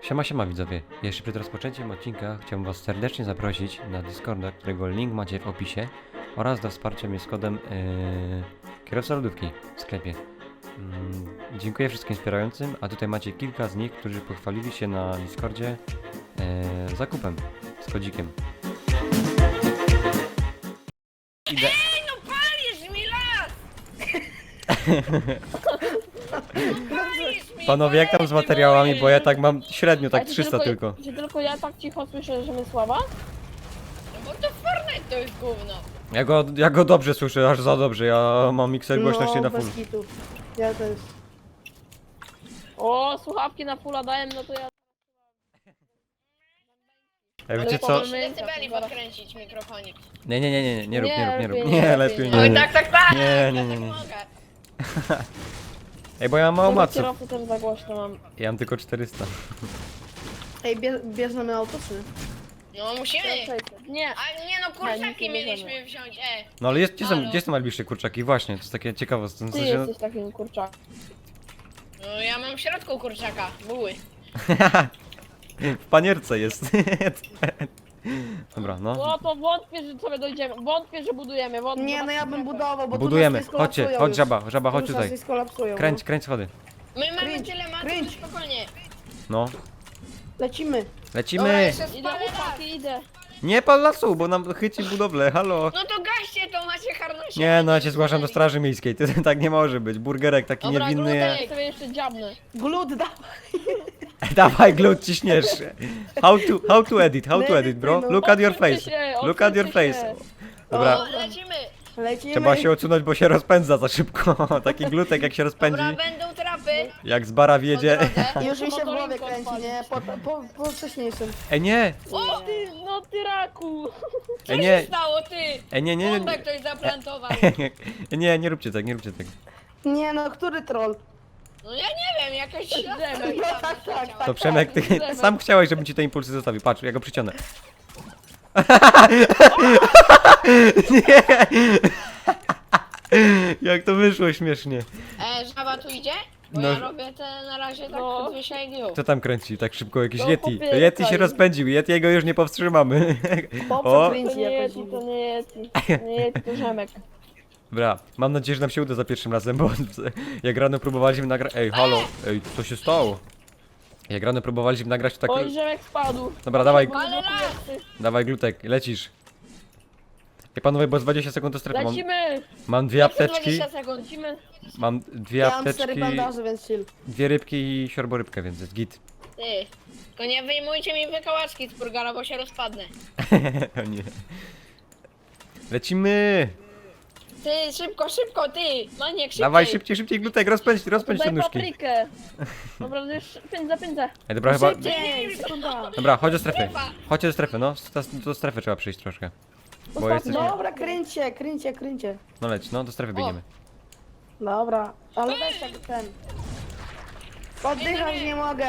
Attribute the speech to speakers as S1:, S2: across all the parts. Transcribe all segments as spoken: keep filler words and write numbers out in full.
S1: Siema, siema widzowie. Jeszcze przed rozpoczęciem odcinka chciałbym was serdecznie zaprosić na Discorda, którego link macie w opisie oraz do wsparcia mnie z kodem yy, kierowca lodówki w sklepie. Yy, dziękuję wszystkim wspierającym, a tutaj macie kilka z nich, którzy pochwalili się na Discordzie yy, zakupem z kodzikiem. Idę.
S2: Ej, no palisz mi las! Palisz mi,
S1: Panowie, jak tam z materiałami, bo ja tak mam średnio, tak
S3: A czy
S1: trzysta tylko.
S3: Czy tylko ja tak cicho słyszę, że my sława?
S2: No bo to Fortnite to jest gówno.
S1: Ja go, ja go dobrze słyszę, aż za dobrze, ja mam mikser głośności na full.
S4: bez kitu. Ja też.
S3: O, słuchawki na fulla dałem, no to ja...
S1: Ej, wiecie
S3: Ale
S1: co?
S3: powiem-
S2: decybeli podkręcić w mikrofonie.
S1: Nie, nie, nie, nie, nie, nie rób, nie rób, nie rób.
S3: Nie,
S1: Nie,
S3: lepiej
S1: lepiej
S3: nie.
S1: nie.
S2: Oj, tak, tak, tak!
S1: Nie, nie, nie,
S2: Ja
S1: nie.
S2: tak mogę.
S1: Ej, bo ja mam mało
S3: Kurde,
S1: maców.
S3: kierowcę też za głośno mam.
S1: Ja mam tylko czterysta.
S4: Ej, bie, bierzemy auto, czy nie?
S2: No musimy.
S3: Nie,
S2: A nie no,
S3: nic
S2: kurczaki
S3: nie
S2: mieliśmy
S3: bierzemy.
S2: wziąć, e.
S1: No ale jest, gdzie, są,
S2: Halo.
S1: gdzie są najbliższe kurczaki? Właśnie, to jest takie ciekawe. W
S3: ty
S1: sensie,
S3: jesteś takim kurczakiem.
S2: No ja mam w środku kurczaka, buły.
S1: w panierce jest. Dobra, no.
S3: No to wątpię, że sobie dojdziemy. Wątpię, że budujemy. Wątpię,
S4: Nie, no ja bym budował, bo
S1: Budujemy.
S4: tu nas nie
S1: Chodźcie,
S4: skolapsują
S1: chodź
S4: już.
S1: żaba, żaba, chodź
S4: Już nas
S1: tutaj.
S4: nie skolapsują,
S1: Kręć,
S4: no.
S1: kręć schody.
S2: My mamy
S4: Cringe,
S2: tyle matów,
S4: cringe.
S2: że spokojnie.
S1: No.
S4: Lecimy.
S2: Dobra,
S1: Lecimy!
S2: jeszcze
S3: Idę,
S2: spalę las.
S3: chłopaki, idę.
S1: Nie pal lasu, bo nam chyci budowlę, halo.
S2: No to gaście to, macie harnosie.
S1: Nie, no ja cię zgłaszam do straży miejskiej, to tak nie może być. Burgerek taki
S2: Dobra,
S1: niewinny.
S2: Glutek.
S3: Ja sobie jeszcze dziabnę.
S4: Glut, dawaj.
S1: Dawaj, glut, ciśniesz. How to, how to edit, how to edit, bro? Look at your
S3: Odsuńcie
S1: face.
S3: się,
S1: Look at your
S3: odsuńcie
S1: face.
S3: się.
S1: Dobra,
S2: O, lecimy.
S4: Lecimy.
S1: trzeba się odsunąć, bo się rozpędza za szybko. Taki glutek jak się rozpędzi,
S2: Dobra, będą trapy.
S1: jak z bara wjedzie.
S2: Po
S4: Już mi się w głowie
S3: Motorinką
S4: kręci,
S3: odpalić.
S4: nie? Po, po, po wcześniejszym.
S1: Ej, nie,
S2: O,
S3: Ty, no ty raku.
S2: co
S1: ej,
S2: się
S1: nie,
S2: stało, ty?
S1: ej, nie, nie, nie,
S2: Bombę ktoś zaplantował.
S1: nie, nie róbcie tak, nie róbcie tak.
S4: Nie no, który troll?
S2: No ja nie wiem, jakaś ślada.
S3: Drzemek.
S4: No tak, tak, tak.
S1: To Przemek, ty sam chciałeś, żebym ci te impulsy zostawił. Patrz, ja go przyciągnę. Nie! Jak to wyszło śmiesznie.
S2: E, żaba tu idzie? Bo
S1: No.
S2: ja robię te na razie tak
S3: No.
S2: no. dwie I G.
S1: Kto tam kręci tak szybko? Jakiś
S3: No,
S1: Yeti.
S3: chłopie,
S1: Yeti się
S3: tak.
S1: rozpędził, Yetiego już nie powstrzymamy.
S4: Po
S1: O,
S4: co
S3: To
S4: kręci
S3: nie
S4: jakoś
S3: jest,
S4: dziwnie.
S3: to nie jest, to nie jest, to Rzemek.
S1: dobra, mam nadzieję, że nam się uda za pierwszym razem, bo jak rano próbowaliśmy nagrać... Ej, halo, ej, co się stało? Jak rano próbowaliśmy nagrać, to tak...
S3: Oj, Rzemek spadł.
S1: Dobra, dawaj,
S2: Ale las!
S1: dawaj glutek, lecisz. Ej, panowie, bo z dwadzieścia sekund do strefy mam...
S3: Lecimy,
S1: Mam dwie apteczki,
S2: dwadzieścia sekund.
S3: lecimy.
S1: mam dwie
S4: Ja mam cztery
S1: apteczki,
S4: bandaże, więc chill.
S1: dwie rybki i siorborybkę, więc jest git.
S2: Ty. Tylko nie wyjmujcie mi wykałaczki z burgera, bo się rozpadnę.
S1: O nie. Lecimy!
S2: Ty, szybko, szybko, ty! Maniek, szybciej!
S1: Dawaj szybciej, szybciej glutek, rozpędź, rozpędź te
S3: Daj
S1: nóżki.
S3: paprykę. Dobra, już pędzę, pędzę.
S1: Ej, dobra, chyba...
S4: Szybciej, sekunda.
S1: Dobra, chodź do strefy. Chodźcie do strefy, no. Do, do strefy trzeba przyjść troszkę. Bo
S3: Ostatni.
S1: jesteśmy...
S4: Dobra, kręćcie, kręćcie, kręćcie.
S1: No leć, no do strefy biegniemy.
S4: Dobra, ale weź tak ten. Oddychać nie mogę.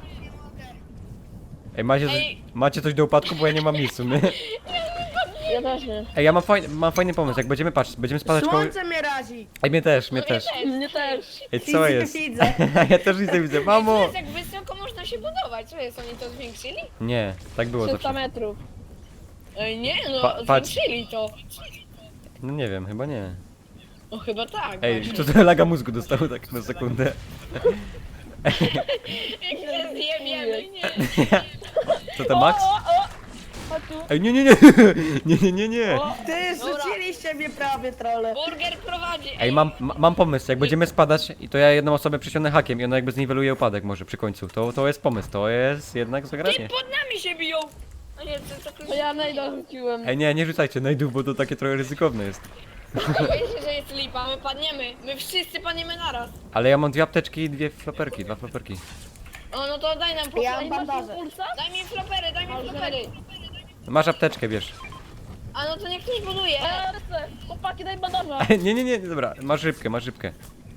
S1: Ej, macie,
S2: Ej.
S1: macie coś do upadku, bo ja nie mam nic w sumie.
S3: Ja też nie.
S1: Ej, ja mam fajny, mam fajny pomysł, jak będziemy, patrz, będziemy spadać koło...
S4: Słońce mnie razi.
S1: Ej, mnie też, mnie też.
S3: Mnie też.
S1: Ej, co
S4: Widzę,
S1: jest?
S4: widzę.
S1: Ja też nic nie widzę,
S2: To
S1: mamo!
S2: jest jak wysoko można się budować. Co jest, oni to zwiększyli?
S1: Nie, tak było
S3: trzysta
S1: zawsze.
S3: metrów.
S2: Ej, nie, no,
S1: Pa- patrz.
S2: zwiększyli to.
S1: No nie wiem, chyba nie.
S2: No chyba tak.
S1: Ej,
S2: właśnie.
S1: to to laga mózgu dostało tak na sekundę.
S2: Jak się zjebiemy, nie.
S1: Co to Max?
S3: O, o, o. Chodź tu.
S1: Ej, nie, nie, nie! Nie, nie, nie, nie!
S3: O,
S4: Ty,
S2: Dobra.
S4: rzuciliście mnie prawie, trole.
S2: Burger prowadzi.
S1: Ej, mam, ma- mam pomysł, jak będziemy spadać, i to ja jedną osobę przyciągnę hakiem i ona jakby zniweluje upadek może przy końcu. To, to jest pomysł, to jest jednak
S2: Ty,
S1: zagranie.
S2: pod nami się biją. A nie, to, to,
S3: to ja najda rzuciłem.
S1: Ej, nie, nie rzucajcie najdów, bo to takie trochę ryzykowne jest.
S2: Wiecie, że jest lipa, my padniemy. My wszyscy padniemy naraz.
S1: Ale ja mam dwie apteczki i dwie floperki, dwa floperki.
S2: O, no to daj nam po...
S4: Ja
S3: Ej,
S4: mam
S3: masz
S4: bandaże.
S3: impulsa?
S2: Daj mi flopery, daj mi
S3: Dobrze.
S2: flopery.
S1: Masz apteczkę, wiesz.
S2: A no to niech ktoś buduje.
S3: Eee, lecę. Chłopaki, daj bandaża.
S1: Nie, nie, nie, dobra, masz rybkę, masz rybkę.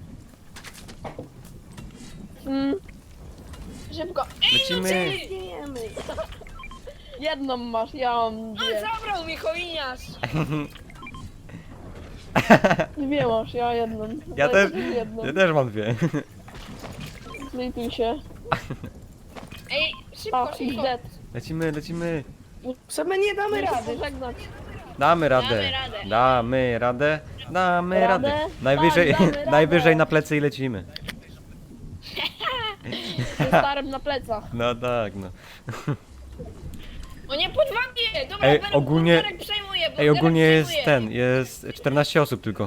S3: Mm,
S2: Szybko. Ej, no
S1: Lecimy.
S2: ty!
S4: Wiemy.
S3: jedną masz, ja mam
S2: On
S3: dwie.
S2: zabrał mi chojiniarz.
S3: Dwie masz, ja jedną.
S1: Ja
S3: Daj
S1: też,
S3: sobie jedną.
S1: ja też mam dwie.
S3: Zlituj się.
S2: Ej, szybko,
S3: O,
S2: szybko.
S3: dead.
S1: Lecimy, lecimy.
S4: Że my nie damy
S3: Muszę
S4: rady.
S3: pożegnać.
S1: Damy radę.
S2: Damy radę.
S1: Damy radę. Damy
S3: Radę?
S1: radę. Najwyżej,
S3: Tak, damy radę.
S1: najwyżej na plecy i lecimy.
S3: Ze starym na plecach.
S1: No tak, no.
S2: O nie, pod wami! Dobra,
S1: Ej,
S2: Ber-
S1: ogólnie-
S2: Bunkerek przejmuje,
S1: Ej,
S2: bunkerek
S1: ogólnie jest
S2: przejmuje.
S1: ten, jest czternaście osób tylko.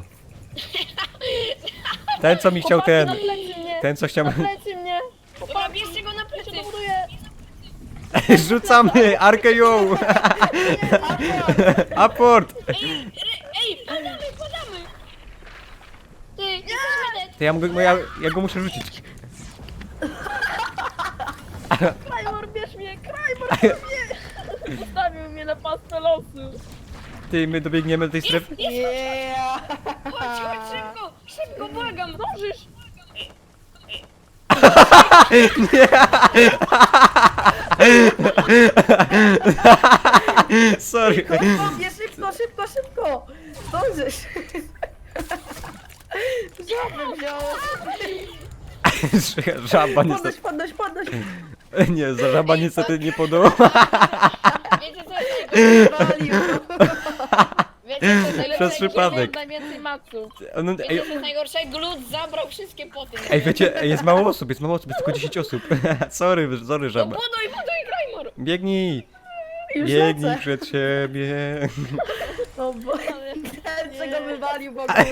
S1: Ten co mi chciał
S3: Chłopaki,
S1: ten,
S3: na plecy mnie.
S1: ten co chciał...
S3: Na plecy mnie.
S2: Dobra, bierzcie go na
S3: Ja
S2: plecy.
S3: się dobuduję.
S1: Rzucamy! Arkę ją! Aport!
S2: Ej, ry, ej, padamy, padamy! Ty, jesteśmy dead.
S1: To ja, mogę, ja, ja go muszę rzucić.
S3: Krajmor, bierz mnie, Krajmor, bierz mnie. Zostawił mnie na pastwę losu.
S1: Ty, my dobiegniemy do tej strefy?
S4: Yeah!
S2: Chodź, chodź, szybko, szybko, błagam.
S3: Zdążysz.
S1: Sorry.
S4: Kopie, szybko, szybko, szybko! Zdążysz! Żaby wziąłem.
S1: Żaba
S4: Podnoś,
S1: niestety...
S4: podnoś, podnoś!
S1: Nie, za żaba niestety nie podoba.
S2: Wiecie co jest najgorsze?
S4: Walił.
S2: Wiecie co jest najlepsze?
S1: Przez przypadek.
S3: Mam najwięcej maców.
S1: No,
S2: Wiecie
S1: ej,
S2: co jest najgorsze? Glut zabrał wszystkie poty.
S1: ej, wiecie, ej, jest mało osób, jest mało osób, jest tylko dziesięć osób. Sorry, sorry
S2: No
S1: żaba.
S2: buduj, buduj, Krajmor!
S1: Biegnij!
S4: Już
S1: Biegnij
S4: lecę.
S1: przed siebie.
S4: O bo... Ten, co go wywalił w ogóle.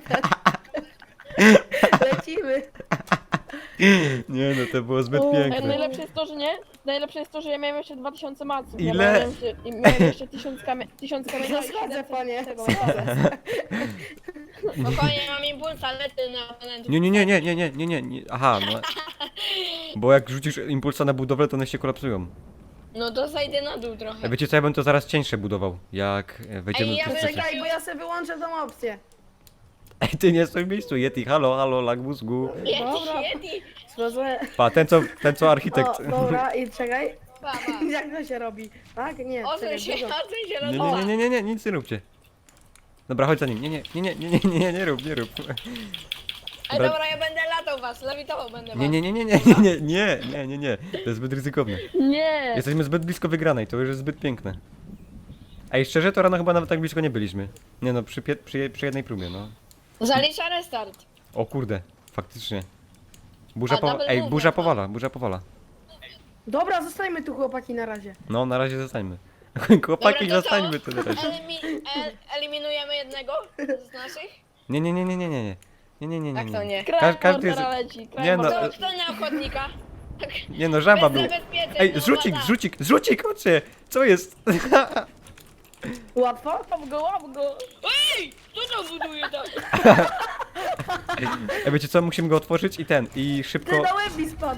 S4: Lecimy.
S1: Nie no, to było zbyt
S3: Ej,
S1: piękne.
S3: najlepsze jest to, że nie? Najlepsze jest to, że ja miałem jeszcze dwa tysiące maców. Ja
S1: Ile?
S3: miałem jeszcze, i miałem jeszcze tysiąc kamie- tysiąc kamieni.
S4: No schodzę, panie.
S3: Tego,
S2: Spokojnie, mam impulsa, lecę na oponentów.
S1: Nie, nie, nie, nie, nie, nie, nie, nie, nie. Aha, no. Bo jak rzucisz impulsa na budowlę, to one się kolapsują.
S2: No to zajdę na dół trochę.
S1: A wiecie co, ja bym to zaraz cieńsze budował, jak e, wejdziemy
S2: Ej,
S1: do
S2: ja
S1: tej
S2: bym
S1: strefy.
S4: Czekaj, bo ja sobie wyłączę tą opcję.
S1: Ej, ty nie stój w miejscu, Yeti, halo, halo, lag mózgu.
S2: Yeti,
S4: Dobra.
S2: Yeti!
S4: Sprawdzę.
S1: Pa, ten co, ten co architekt.
S4: O, dobra, i czekaj.
S2: Pa, pa.
S4: Jak to się robi? Tak? Nie,
S2: Odsuń
S4: czekaj,
S2: się,
S4: dużo.
S2: odsuń się,
S1: Nie,
S2: lodowa.
S1: nie, nie, nie, nie, nie, nic nie róbcie. Dobra, chodź za nim. Nie, nie, nie, nie, nie, nie, nie, nie, nie rób, nie rób.
S2: Ej,
S1: Dobra.
S2: dobra, ja będę latał was, lewitował będę was.
S1: Nie, nie, nie, nie, nie, nie, nie, nie, nie, nie, nie. To jest zbyt ryzykowne.
S3: Nie!
S1: Jesteśmy zbyt blisko wygranej, to już jest zbyt piękne. Ej, szczerze, to rano chyba nawet tak blisko nie byliśmy. Nie no, przy, pie- przy, przy jednej próbie, no.
S2: Zalicza restart.
S1: O kurde, faktycznie. Burza
S2: A,
S1: powala.
S2: double
S1: Ej,
S2: move
S1: burza
S2: ma.
S1: powala, burza powala.
S4: Dobra, zostańmy tu chłopaki na razie.
S1: No, na razie zostańmy. Chłopaki,
S2: Dobra, to co?
S1: zostańmy tu na razie.
S2: Elimi el eliminujemy jednego z naszych?
S1: Nie, nie, nie, nie, nie, nie, nie. Nie, nie, nie, nie.
S2: Jak to nie?
S3: Krajmor
S1: każdy jest-
S3: teraz leci.
S1: Nie
S3: Krajmor
S1: no,
S2: To
S3: teraz-
S2: kto na ochotnika?
S1: Nie no, żaba
S2: Bez
S1: był.
S2: zabezpieczeń,
S1: Ej,
S2: no,
S1: zrzucik,
S2: woda.
S1: zrzucik, zrzucik, chodźcie! Co jest?
S4: Łatwo?
S3: Łap go, łap go!
S2: Ej! Kto to buduje tak?
S1: Ej, wiecie co, musimy go otworzyć i ten, i
S4: Ty
S1: szybko...
S4: na łeb mi spadł.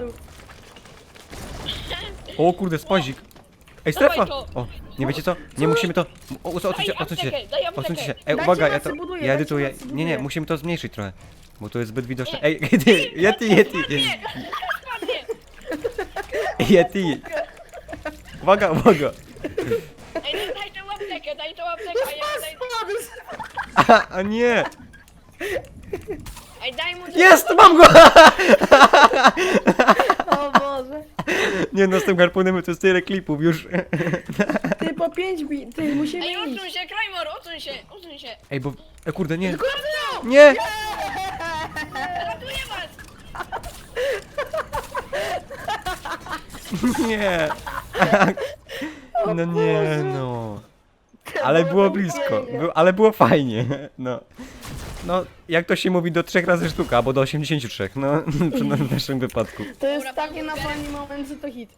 S1: O kurde, spozik. Ej, strefa!
S2: Dawaj to.
S1: O, nie wiecie co? Nie musimy to... O, odsuńcie się,
S2: Daj
S1: odsuńcie się.
S2: aptekę, daj aptekę.
S1: Odsuńcie się. Ej,
S4: Dajcie
S1: uwaga, ja
S4: nas,
S1: to...
S4: buduję,
S1: Ja
S4: dajcie
S1: edytuję.
S4: nas,
S1: Nie, nie,
S4: buduję.
S1: musimy to zmniejszyć trochę. Bo to jest zbyt widoczne.
S2: Nie.
S1: Ej, Yeti, Yeti, Yeti!
S2: Spadnie!
S1: Yeti! Uwaga, uwaga!
S2: Ej, no daj tą aptekę, daj tą aptekę, a ja daj...
S1: A, a nie!
S2: Ej, daj mu...
S1: Jest, mam go!
S4: O Boże.
S1: Nie no, z tym harpunem to jest tyle klipów już.
S4: Ty po pięć bi... Ty musimy
S2: Ej,
S4: iść.
S2: odsuń się, Krajmor, odsuń się, odsuń się.
S1: Ej, bo... E, kurde, nie.
S4: Kurde!
S1: Nie!
S2: Ratuję was!
S1: Nie! No nie, no. Ale było blisko, Był- ale było fajnie, no. No, jak to się mówi, do trzech razy sztuka, albo do osiemdziesięciu trzech, no, w naszym wypadku.
S4: To jest
S2: Dobra,
S4: taki na pani moment, że to hit.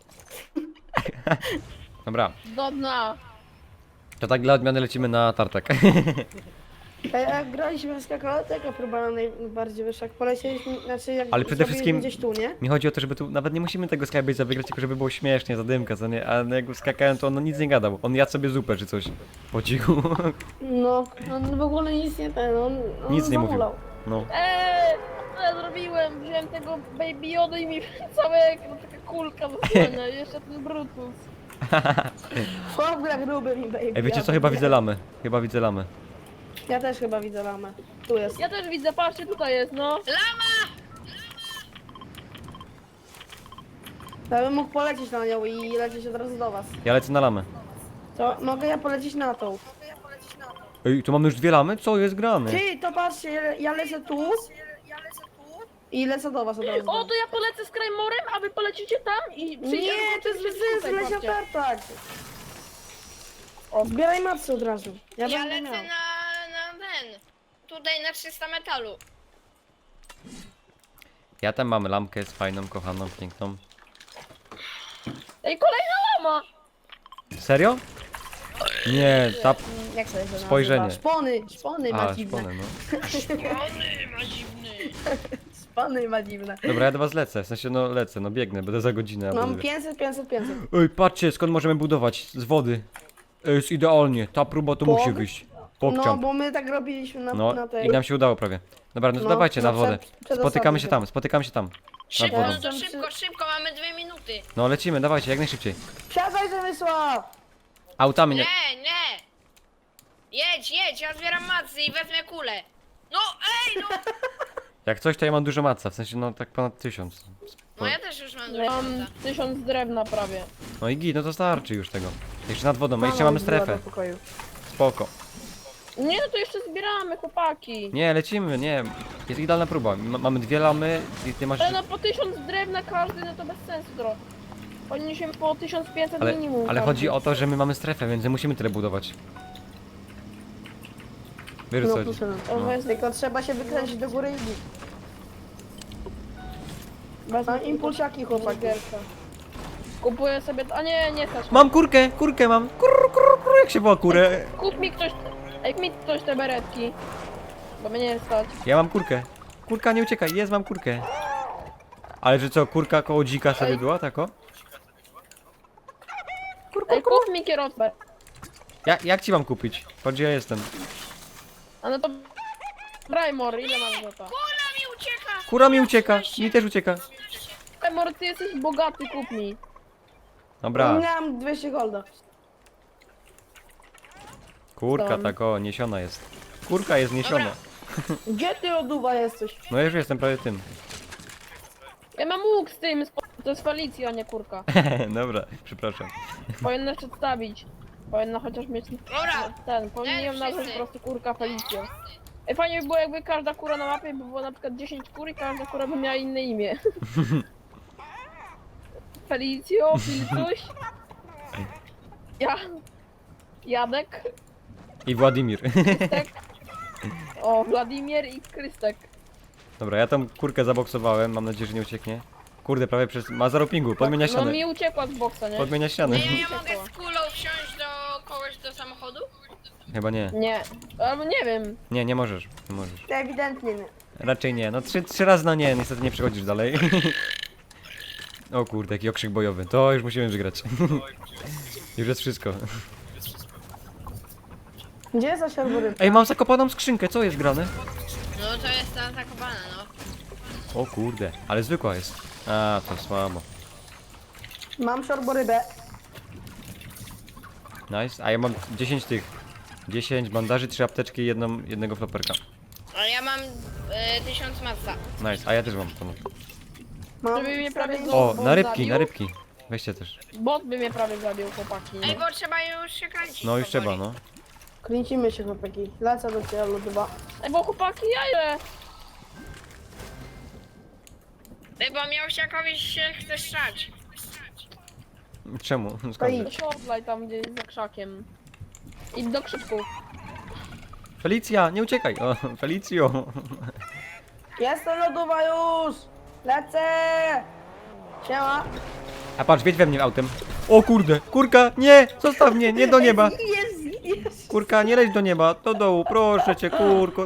S1: Dobra,
S3: Do dna.
S1: to tak dla odmiany lecimy na tartak.
S4: A jak graliśmy w skakałę, to jaka próba najbardziej wyższa? Jak polecieliśmy, znaczy jak
S1: Ale przede
S4: zrobiliśmy
S1: wszystkim-
S4: gdzieś tu, nie?
S1: Mi chodzi o to, żeby tu, nawet nie musimy tego Skybase'a wygrać, tylko żeby było śmiesznie, zadymka, co nie? A jak skakałem, to on nic nie gadał. On jadł sobie zupę czy coś. Po cichu.
S4: No, on w ogóle nic nie ten, on, on
S1: Nic nie mówił.
S4: zamulał.
S1: No.
S3: Eee, co ja zrobiłem? Wziąłem tego Baby Yoda i mi całe no, taka kulka zasłania. Jeszcze ten Brutus.
S4: W ogóle gruby mi baby.
S1: Ej, wiecie
S4: ja
S1: co? Chyba
S4: wiem.
S1: widzę lamę. Chyba widzę lamę.
S4: Ja też chyba widzę lamę. Tu jest.
S3: Ja też widzę, patrzcie, tutaj jest, no.
S2: Lama!
S4: Ja bym mógł polecieć na nią i lecieć od razu do was.
S1: Ja lecę na lamę.
S4: To mogę ja polecieć na tą.
S1: Ej, tu mamy już dwie lamy? Co jest grane?
S4: Ty, to patrzcie, ja- ja lecę tu. I lecę do was od razu.
S3: O, to ja polecę z Krajmorem, a wy polecicie tam i przyjdziemy.
S4: Nie, to jest bez
S3: zobaczycie
S4: sensu,
S3: tutaj,
S4: lesia
S3: patrzcie.
S4: tartak. O, zbieraj macy od razu. Ja,
S2: Ja
S4: będę
S2: lecę
S4: miał.
S2: na, na ten. Tutaj na trzysta metalu.
S1: Ja tam mam lampkę z fajną, kochaną, piękną.
S3: Ej, kolejna lama!
S1: Serio? Nie, ta...
S4: Jak sobie to
S1: Spojrzenie.
S4: nazywa? Szpony, szpony ma
S1: A,
S4: dziwne.
S1: szpony, no.
S2: Ony, ma dziwny.
S4: Szpony ma dziwne.
S1: Dobra, ja do was lecę, w sensie no lecę, no biegnę, będę za godzinę. albo
S4: Mam
S1: dwie.
S4: pięćset, pięćset, pięćset.
S1: Ej, patrzcie, skąd możemy budować? Z wody. Ej, jest idealnie, ta próba to
S4: Pog?
S1: musi wyjść.
S4: No,
S1: Pokczam.
S4: bo my tak robiliśmy na,
S1: No,
S4: na tej...
S1: i nam się udało prawie. Dobra, no to
S4: No,
S1: dawajcie na
S4: no,
S1: wodę.
S4: przed- przed
S1: Spotykamy
S4: osadą
S1: się tam, spotykamy się tam.
S2: Szybko,
S1: wodą.
S2: no to szybko, szybko, mamy dwie minuty.
S1: No lecimy, dawajcie, jak najszybciej.
S4: Wsiadaj, Zemysław!
S1: Autami nie...
S2: Nie, nie. Jedź, jedź, ja zbieram macy i wezmę kulę. No, ej, no.
S1: Jak coś, to ja mam dużo maca, w sensie no tak ponad tysiąc.
S2: No ja też już mam
S3: Ja
S2: dużo
S3: mam
S2: maca.
S3: tysiąc drewna prawie.
S1: No i git, no to starczy już tego. Jeszcze nad wodą, my
S4: Mama
S1: jeszcze mamy
S4: wbiła
S1: strefę.
S4: do pokoju.
S1: Spoko.
S3: Nie, no to jeszcze zbieramy, chłopaki.
S1: Nie, lecimy, nie. Jest idealna próba. M mamy dwie lamy i ty masz...
S3: Ale no po tysiąc drewna każdy, no to bez sensu trochę. Powinniśmy po tysiąc pięćset
S1: Ale,
S3: minimum.
S1: ale
S3: każdy.
S1: chodzi o to, że my mamy strefę, więc nie musimy tyle budować. Wiesz
S4: No,
S1: co?
S4: proszę.
S3: To
S1: No.
S3: jest
S4: Tylko trzeba się wykręcić do góry i bić.
S3: bez
S4: Mam impulsiaki, chłopaki.
S3: Burgerka. Kupuję sobie... A nie, nie stać.
S1: Mam kurkę, kurkę mam. Kur, kur, kur, jak się woła kurę?
S3: Kup mi ktoś... Ej, kup mi ktoś te beretki. Bo mnie nie stać.
S1: Ja mam kurkę. Kurka, nie uciekaj, jest, mam kurkę. Ale że co, kurka koło dzika sobie
S3: Ej.
S1: była, tako?
S3: Ej, kup mi kierowcę.
S1: Ja, jak ci mam kupić? Patrz, gdzie ja jestem.
S3: A no to... Brajmor, ile masz za to?
S2: Kula mi ucieka.
S1: Kura mi ucieka, mi też ucieka.
S3: Brajmor, ty jesteś bogaty, kup mi.
S1: Dobra,
S4: Miałem dwieście golda.
S1: kurka
S3: Tam.
S1: tako, niesiona jest. Kurka jest niesiona.
S2: Dobra.
S4: Gdzie ty, loduwa, jesteś?
S1: No ja już jestem prawie tym.
S3: Ja mam łuk z tym, z... to jest Felicja, a nie kurka.
S1: Dobra, przepraszam.
S3: Powinna przedstawić. Powinna chociaż mieć
S2: Dobra.
S3: ten, powinien ją
S2: Nie,
S3: nazwać
S2: wszyscy.
S3: po prostu kurka Felicja. Ej, fajnie by było jakby każda kura na mapie by było na przykład dziesięć kur i każda kura by miała inne imię. Felicjo, Filcuś. Ja. Jadek.
S1: I Władimir.
S3: Krystek. O, Wladimir i Krystek.
S1: Dobra, ja tą kurkę zaboksowałem, mam nadzieję, że nie ucieknie. Kurde, prawie przez... ma zero pingu, podmienia
S3: No
S1: ścianę.
S3: mi uciekła z boksa, nie?
S1: Podmienia ścianę.
S2: Nie, ja mogę z kulą wsiąść do kogoś do samochodu?
S1: Chyba nie.
S3: Nie. Albo nie wiem.
S1: Nie, nie możesz, nie możesz.
S4: Ewidentnie nie.
S1: Raczej nie, no trzy, trzy razy no nie, niestety nie przechodzisz dalej. O kurde, jaki okrzyk bojowy, to już musimy wygrać. Już jest wszystko.
S4: Gdzie jest za siorbory?
S1: Ej, mam zakopaną skrzynkę, co jest grane?
S2: No to jest ta zakopana, no.
S1: O kurde, ale zwykła jest. A, to słabo.
S4: Mam siorborybę.
S1: Nice, a ja mam dziesięć tych. dziesięć bandaży, trzy apteczki i jedną, jednego floperka.
S2: Ale ja mam e, tysiąc maca.
S1: Nice, a ja też mam to.
S4: Mam
S3: Żeby mnie prawie
S4: stary-
S3: zo-
S1: O,
S3: bot
S1: na rybki,
S3: zabił?
S1: na rybki. Weźcie też.
S3: Bot by mnie prawie zabił, chłopaki.
S2: Ej, bo trzeba już się kręcić.
S1: No już trzeba,
S2: powoli.
S1: no.
S4: Kręcimy się, chłopaki. Lecę do ciebie, loduwa.
S3: Ej, bo chłopaki, jaje!
S2: Ej, bo miałsiakowi się chce strzelać.
S1: Czemu?
S4: To
S1: Skąd?
S4: idź.
S3: To shortlaj tam gdzieś za krzakiem. I do krzyków.
S1: Felicja, nie uciekaj! O, Felicjo!
S4: Jestem, loduwa, już! Lecę! Siema!
S1: A patrz, wiedź we mnie autem. O kurde, kurka, nie! Zostaw mnie, nie do nieba!
S4: Jest, jest!
S1: Kurka, nie leć do nieba, do dołu, proszę cię, kurko.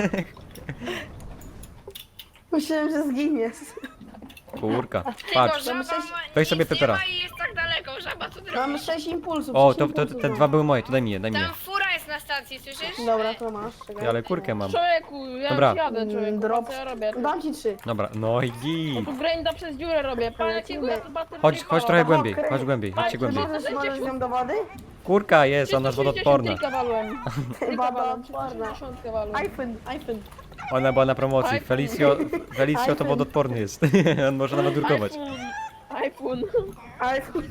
S4: Myślałem, że zginiesz.
S1: Kurka,
S2: Tylko
S1: patrz.
S2: żaba
S4: Mamy sześć-
S2: ma,
S1: Weź
S2: nic
S1: sobie
S2: nie
S1: Pepera.
S2: ma i jest tak daleko. Żaba co ty
S4: Mam
S2: robisz?
S4: sześć impulsów.
S1: O,
S4: sześć
S1: to, to
S4: impulsów
S1: te
S4: mam.
S1: dwa były moje, to daj mi je, daj mi je.
S2: Tam fura jest na stacji, słyszysz?
S4: Dobra, to masz, czekaj.
S1: Ty, ale kurkę mam.
S3: Człowieku, ja
S1: Dobra.
S3: już jadę, człowieku,
S4: Mm,
S3: Drop.
S4: drop.
S3: co ja robię?
S4: Dam ci trzy.
S1: Dobra, no i
S3: No
S1: git.
S3: tu grinda przez dziurę robię, pan jakiego ja tu baterię
S1: Chodź,
S3: nie
S1: chodź
S3: mam.
S1: trochę
S4: Aha,
S1: głębiej,
S4: okej.
S1: chodź głębiej, chodźcie
S3: Chodź,
S1: głębiej.
S3: możesz-
S4: Możesz, możesz z nią do wody?
S1: Kurka jest, ona jest wodoodporna.
S3: trzysta sześćdziesiąt walłem.
S4: Wodoodporna.
S3: walłem.
S4: iPhone, iPhone.
S1: Ona była na promocji.
S3: iPhone.
S1: Felicio, Felicio to
S4: iPhone.
S1: wodoodporny jest. On może nawet drukować.
S3: iPhone, iPhone.
S4: iPhone.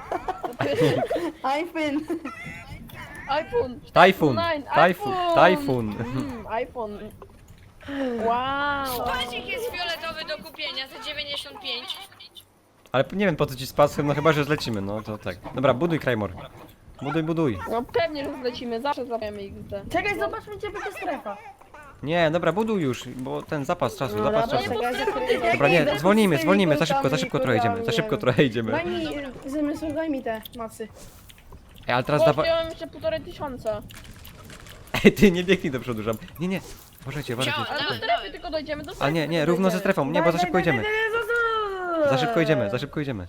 S4: iPhone.
S3: iPhone.
S1: Tajfun!
S3: Nine,
S1: Tajfun!
S3: iPhone.
S1: Tajfun!
S3: Mm, iPhone. Wow.
S2: Pazik jest fioletowy do kupienia za dziewięćdziesiąt pięć.
S1: Ale nie wiem po co ci z pasem, no chyba, że zlecimy, no to tak. Dobra, buduj Krajmor. Buduj, buduj.
S3: No pewnie, że zlecimy, zawsze złapiemy X D.
S4: Czekaj, zobaczmy gdzie będzie strefa.
S1: Nie, dobra, buduj już, bo ten zapas czasu,
S4: No
S1: zapas
S4: dobra,
S1: czasu.
S4: czekaj, czekaj.
S1: Dobra,
S4: Jak
S1: nie,
S4: idę
S1: zwolnijmy,
S4: z
S1: zwolnijmy,
S4: tymi
S1: za szybko, za szybko trochę idziemy, za szybko trochę idziemy.
S4: Daj mi, zmysł, daj mi te masy.
S1: Ej, ale teraz
S3: Bo
S1: dawaj...
S3: wziąłem jeszcze półtorej tysiąca.
S1: Ej, ty nie biegnij do przodu, żam. Nie, nie, uważajcie, uważajcie.
S2: Wziąłem.
S3: Ale do
S2: Dawaj,
S3: strefy
S2: dawaj.
S3: tylko dojdziemy, do
S1: A
S3: strefy
S1: nie, nie,
S3: tylko
S1: równo ze
S3: dojdziemy.
S1: strefą, nie, bo za szybko idziemy. Za szybko idziemy, za szybko idziemy.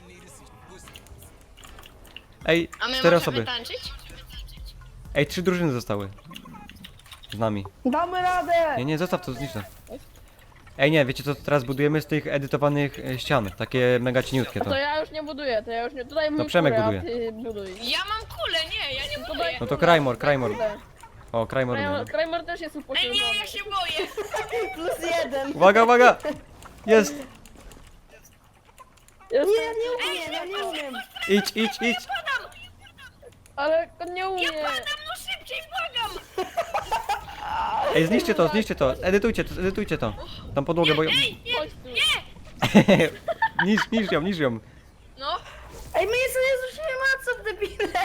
S1: Ej,
S2: A my
S1: cztery
S2: możemy
S1: osoby.
S2: tańczyć?
S1: Ej, trzy drużyny zostały. Z nami.
S4: Damy radę!
S1: Nie, nie, zostaw to, zniszczę. Ej, nie, wiecie co teraz budujemy z tych edytowanych e, ścian? Takie mega cieniutkie
S3: To
S1: to.
S3: ja już nie buduję, to ja już nie... Tutaj mój
S1: Przemek
S3: kurę,
S1: buduje.
S3: a ty buduj.
S2: Ja mam kulę, nie, ja nie
S3: To
S2: buduję.
S3: daj
S1: No to
S3: kurę,
S1: Krajmor,
S3: daj
S1: Krajmor.
S3: kurę.
S1: O, Krajmor.
S3: Krajmor- Krajmor też jest
S2: Ej,
S3: upośledzony.
S2: nie, ja się boję.
S4: Plus jeden.
S1: Uwaga, uwaga! Jest!
S3: Jest,
S4: Nie, nie umiem, ja nie umiem.
S1: Idź, idź, idź!
S3: ale on nie umie.
S2: Ja padam, no szybciej, błagam.
S1: Ej, zniszczcie to, zniszczcie to, edytujcie to, edytujcie to. Tam podłogę, bo...
S2: Ej, nie,
S3: Chodź tu.
S1: niż, niż ją, niż ją.
S2: no.
S4: Ej, my jeszcze nie zrzucimy maców, debile!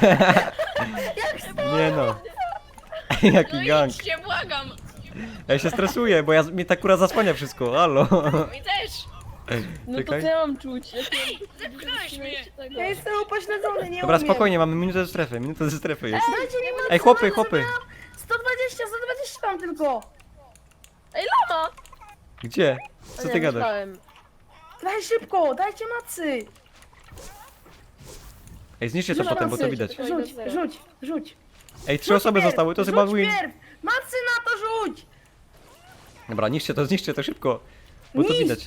S1: Nie no.
S2: No
S1: Jaki gang.
S2: idźcie, błagam.
S1: Ja się stresuję, bo ja, mi ta kura zasłania wszystko, halo.
S2: Mi też.
S3: No to
S1: Czekaj.
S3: co ja mam czuć? Jak
S2: Ej, zepchnąłeś mnie.
S3: tego?
S4: Ja jestem upośledzony, nie
S1: Dobra,
S4: umiem.
S1: spokojnie, mamy minutę ze strefy, minutę ze strefy jest.
S4: Dajcie mi macy,
S1: Ej, chłopy,
S4: macy,
S1: chłopy.
S4: zabrałam sto dwadzieścia, sto dwadzieścia tam tylko.
S3: Ej, lama!
S1: Gdzie? Co
S3: Nie,
S1: ty gadasz?
S3: myślałem.
S4: Daj szybko, dajcie macy.
S1: Ej, zniszczcie to
S4: Rzuć
S1: potem, bo to
S4: macy.
S1: widać.
S4: Rzuć, rzuć, rzuć.
S1: Ej, trzy
S4: Rzuć
S1: osoby
S4: pierw,
S1: zostały, to
S4: rzuć
S1: chyba win.
S4: pierw. Macy na to rzuć.
S1: Dobra, niszczcie to, zniszczcie to szybko. Bo to
S4: Niszcz.
S1: widać.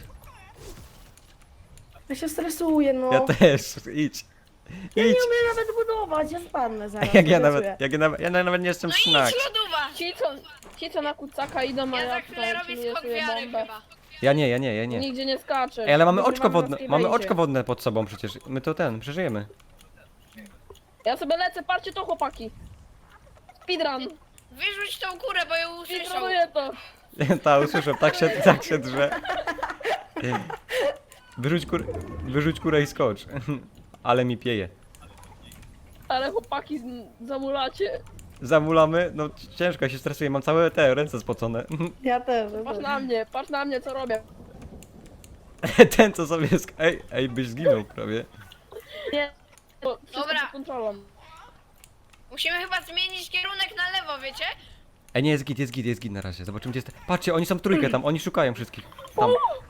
S4: Ja się stresuję, no.
S1: Ja też, idź.
S4: Ja nie
S1: Idź.
S4: umiem nawet budować, ja spadnę zaraz.
S1: Jak ja
S4: obiecuję.
S1: nawet, jak ja nawet, ja nawet nie jestem
S2: No idź,
S1: snack.
S2: lodowa.
S3: Ci co, ci co na kucaka idą, a
S2: Ja za
S3: ja
S2: chwilę
S3: tutaj
S2: robię
S3: czuję
S2: skok
S3: sobie
S2: wiary
S3: bombę.
S2: chyba.
S1: Ja nie, ja nie, ja nie.
S3: Nigdzie nie skaczę.
S1: Ej, ale mamy
S3: Wygrywamy
S1: oczko
S3: na
S1: wodne, mamy
S3: Skybase.
S1: oczko wodne pod sobą przecież. My to ten, przeżyjemy.
S3: Ja sobie lecę, patrzcie to chłopaki. Speedrun.
S2: Wyrzuć tą kurę, bo ją usłyszał.
S3: Speedrunuję to.
S1: Ta, usłyszę, tak się, tak się drze. Wyrzuć, kur, wyrzuć kurę i skocz. Ale mi pieje.
S3: Ale chłopaki z- zamulacie.
S1: Zamulamy, no ciężko, ja się stresuję, mam całe te ręce spocone.
S4: Ja też. ja
S3: Patrz
S4: też.
S3: na mnie, patrz na mnie co robię.
S1: Ten co sobie sk... Ej, ej, byś zginął prawie.
S3: Nie. To wszystko
S2: Dobra.
S3: pod kontrolą.
S2: Musimy chyba zmienić kierunek na lewo, wiecie?
S1: Ej, nie, jest git, jest git, jest git na razie. Zobaczymy gdzie jest... Patrzcie, oni są w trójkę tam, oni szukają wszystkich. Tam.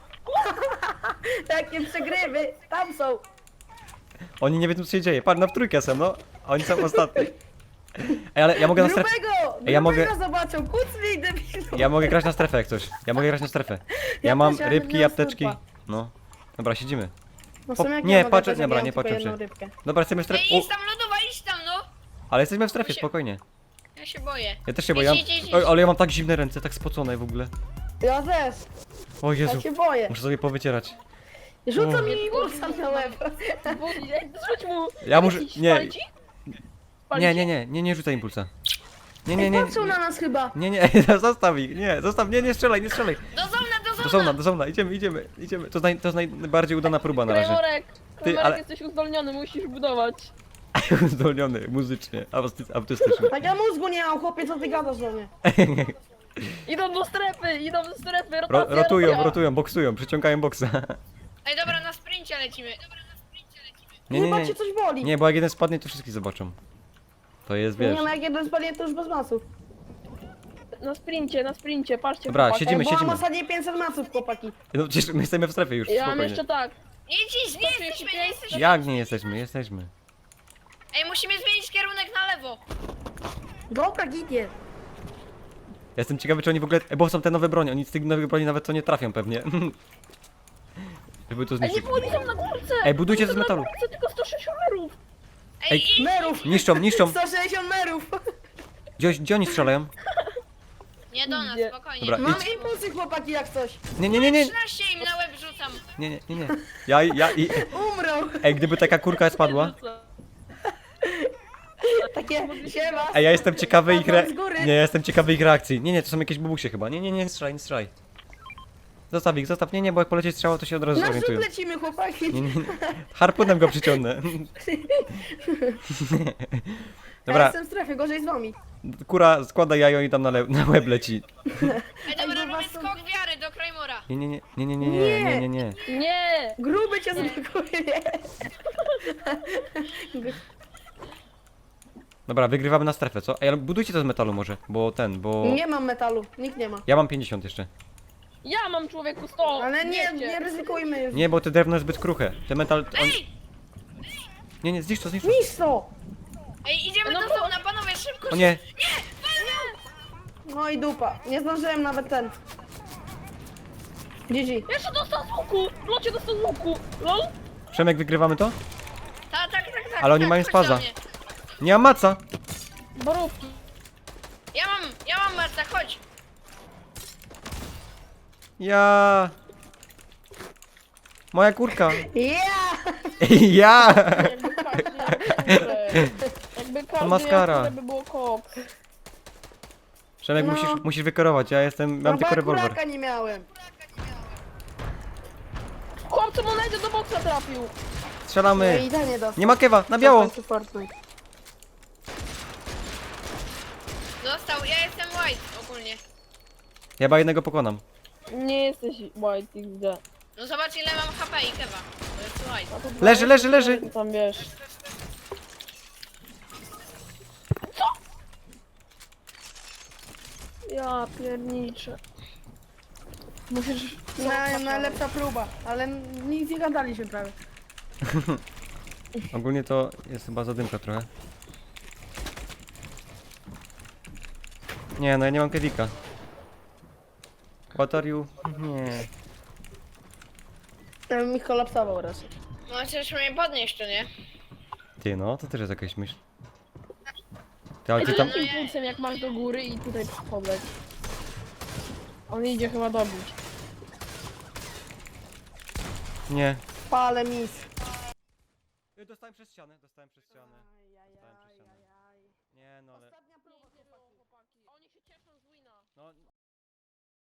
S4: Jakie przegrywy, tam są.
S1: Oni nie wiedzą co się dzieje. Patrz, no w trójkę są, no. A oni są ostatni. Ej, ale ja mogę na strefę...
S4: Grubego,
S1: Ej, ja mogę-
S4: grubego zobaczą, kucnij debilu.
S1: Ja mogę grać na strefę jak coś. Ja mogę grać na strefę. Ja
S4: Ja
S1: mam
S4: też, ale
S1: rybki,
S4: miałem
S1: apteczki.
S4: surfa.
S1: No. Dobra, siedzimy.
S4: No w
S1: Po-
S4: sumie jak
S1: nie,
S4: ja mogę
S1: patrzę-
S4: grać, jak
S1: dobra,
S4: ja mam
S1: nie
S4: tylko
S1: patrzę
S4: jedną
S1: się.
S4: rybkę.
S1: Dobra, jesteśmy w strefie...
S2: Ej,
S1: U,
S2: idź tam, lodowa, idź tam, no.
S1: ale jesteśmy w strefie,
S2: się-
S1: spokojnie.
S2: Ja się boję.
S1: Ja też się boję.
S2: Idź, idź, idź,
S1: Oj,
S2: idź.
S1: ale ja mam tak zimne ręce, tak spocone w ogóle.
S4: Ja też,
S1: O Jezu,
S4: ja się boję.
S1: muszę sobie powycierać.
S4: Rzuca
S1: O.
S4: mi bursa na łeb.
S3: Budzi, ej, rzuć mu.
S1: Ja muszę-
S3: Jakiś
S1: nie.
S3: spali ci? Spali
S1: Nie,
S3: ci?
S1: nie, nie, nie, nie rzucaj impulsa. Nie, nie,
S4: Ej,
S1: nie,
S4: patrzą na nas chyba.
S1: nie, nie, zostaw ich, nie, zostaw, nie, nie strzelaj, nie strzelaj.
S2: Do zona, do zona.
S1: Do zona, do zona, idziemy, idziemy, idziemy. To, naj, to jest najbardziej udana próba na razie.
S3: Krajmorek, Krajmorek
S1: ale-
S3: jesteś uzdolniony, musisz budować.
S1: Uzdolniony muzycznie, auty- autystycznie.
S4: Tak ja mózgu nie mam, chłopie, co ty gadasz do mnie?
S3: Idą do strefy, idą do strefy,
S1: Ro,
S3: rotacja,
S1: rotują,
S3: rotacja.
S1: rotują, boksują, przyciągają boksa.
S2: Ej, dobra, na sprincie lecimy. Dobra, na sprincie lecimy.
S1: Nie, nie,
S4: Chyba
S1: nie,
S4: cię coś boli.
S1: nie, bo jak jeden spadnie, to wszystkich zobaczą. To jest, wiesz.
S4: Nie, no jak jeden spadnie, to już bez masów.
S3: Na sprincie, na sprincie, patrzcie
S1: Dobra,
S3: chłopaki.
S1: siedzimy,
S4: Ej, bo mam
S1: siedzimy.
S4: ostatnie pięćset masów, chłopaki.
S1: No przecież my jesteśmy w strefie już,
S3: Ja mam
S1: spokojnie.
S3: jeszcze tak.
S2: Nie idź, nie jesteśmy, nie jesteśmy.
S1: Jak nie jesteśmy, jesteśmy.
S2: Ej, musimy zmienić kierunek na lewo.
S4: Dobra, gidzie.
S1: Ja jestem ciekawy, czy oni w ogóle... e, Bo są te nowe broni, oni z tych nowych broni nawet to nie trafią pewnie. Żeby to
S3: Ej, nie,
S1: zniszczyć.
S3: bo oni są na górce!
S1: Ej, budujcie
S3: Oni
S1: z
S3: są
S1: metalu.
S3: Na górce, tylko sto sześćdziesiąt merów!
S2: Ej,
S1: Ej,
S2: idź.
S4: Merów.
S1: Niszczą, niszczą.
S4: sto sześćdziesiąt merów.
S1: Gdzie, gdzie oni strzelają?
S2: Nie do nas,
S3: Idzie.
S2: spokojnie.
S1: Dobra,
S4: Mam
S1: idź.
S4: impulsy, chłopaki, jak coś.
S1: Nie, nie, nie, nie,
S2: trzynaście im na łeb rzucam.
S1: nie, nie, nie, nie. Ja, ja, i...
S4: Umrą.
S1: Ej, gdyby taka kurka spadła...
S4: Takie, siema.
S1: Ej, ja jestem ciekawy ich re...
S4: Spadłam z góry.
S1: Nie, ja jestem ciekawy ich reakcji. Nie, nie, to są jakieś bubusie chyba. Nie, nie, nie, nie strzelaj, nie strzelaj. Zostaw ich, zostaw. Nie, nie, bo jak poleci strzała, to się od razu
S4: Na
S1: zorientują.
S4: rzut lecimy, chłopaki.
S1: Nie, nie, nie. Harpunem go przyciągnę.
S4: Ja
S1: Dobra,
S4: jestem w strefie, gorzej z wami.
S1: kura składa jajo i tam na, le... na łeb leci.
S2: Ej, dobra,
S4: Ej, bo
S2: robię
S4: was są-
S2: skok wiary do Krajmora.
S1: Nie, nie, nie, nie, nie, nie, nie, nie, nie, nie.
S3: Nie!
S4: Gruby cię zablokuje.
S1: Dobra, wygrywamy na strefę, co? Ej, ale budujcie to z metalu może, bo ten, bo...
S4: Nie mam metalu, nikt nie ma.
S1: Ja mam pięćdziesiąt jeszcze.
S3: Ja mam człowieku sto!
S4: Ale nie,
S3: wiecie.
S4: nie ryzykujmy już.
S1: Nie, bo te drewno jest zbyt kruche. Te metal... On...
S2: Ej!
S1: Nie, nie, zniszcz to, zniszcz to.
S4: Niż to!
S2: Ej, idziemy
S3: No
S2: do
S3: bo-
S2: sauna, panowie, szybko!
S1: O nie,
S4: No i dupa. Nie zdążyłem nawet ten. G G.
S3: Jeszcze dostał z łuku! Locie dostał z łuku! Lol?
S1: Przemek, wygrywamy to?
S2: Tak, tak, tak, tak.
S1: Ale oni
S2: tak,
S1: mają
S2: chodź
S1: spaza.
S2: do mnie.
S1: Nie mam maca.
S3: Borówki.
S2: Ja mam, ja mam Marta, chodź.
S1: Ja... Moja kurka.
S4: Yeah!
S1: Ja!
S3: Jakby każdy miał kurę. Jakby każdy
S1: maskara.
S3: miał kurę, by było koks.
S1: Przemek,
S4: No.
S1: musisz, musisz wykierować, ja jestem, mam
S4: No bo
S1: tylko
S4: ja
S1: rewolwer.
S4: kuraka nie miałem.
S3: Chłopcu mu najdzie do boksa trafił.
S4: No
S1: Strzelamy.
S4: i ten nie dostał.
S1: Nie ma kewa, na biało.
S4: W końcu Fortnite.
S2: Dostał, ja jestem white ogólnie.
S1: Ja chyba jednego pokonam.
S3: Nie jesteś white X D.
S2: No zobacz ile mam H P i kewa. To jest white.
S3: A to
S1: Leży, leży, leży.
S3: Ty tam wiesz. Co? Ja pierniczę. Musisz...
S4: Na, najlepsza próba, ale nic nie gadaliśmy prawie.
S1: Ogólnie to jest chyba zadymka trochę. Nie, no ja nie mam kewika. What are you? Nie.
S4: Ja bym mi kolapsował raczej.
S2: No chcesz mnie podnieść, czy nie?
S1: Ty no, to też jest jakaś myśl. Ty, ale ty
S3: Ej,
S1: tam...
S3: tam impulsem jak masz do góry i tutaj podleć. On idzie chyba dobić.
S1: Nie.
S4: Pale mis.
S1: Dostałem przez ścianę, dostałem przez ścianę. Dostałem przez ścianę. Nie no ale...